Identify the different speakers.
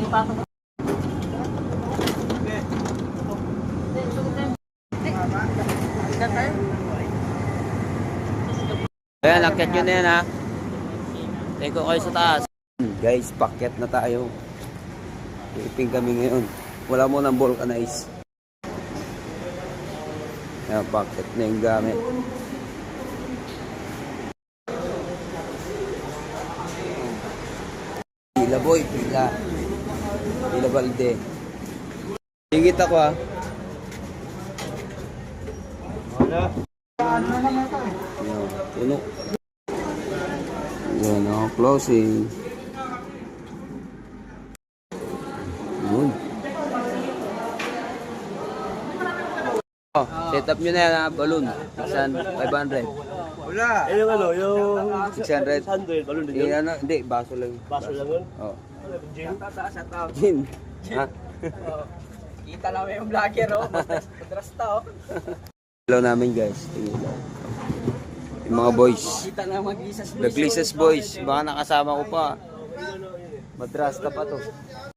Speaker 1: Ayan, akyat nyo na yan ha. Take ko kayo sa taas. Guys, pakyat na tayo. Iping kami ngayon. Wala mo ng vulcanize. Ayan, pakyat na yung gamit. Pila boy, pila. Pila balde. Hingit ako ha. Wala. Ayan, puno. Ayan o, closing. Yun. Oh, set up nyo na yan ha, balloon. 500.
Speaker 2: Wala. Eh yung ano, yung
Speaker 1: 600.
Speaker 2: 600, balon din
Speaker 1: Eh,
Speaker 2: yun.
Speaker 1: ano, hindi, baso lang.
Speaker 2: Baso lang yun.
Speaker 1: Oh.
Speaker 2: Gin.
Speaker 1: Gin. Ha?
Speaker 3: Kita lang yung vlogger, oh. Madrasta, oh.
Speaker 1: Hello namin guys. Tingin lang. Yung mga boys.
Speaker 3: Kita lang mag-isas.
Speaker 1: The Glisses boys. Baka nakasama ko pa. Madrasta pa to.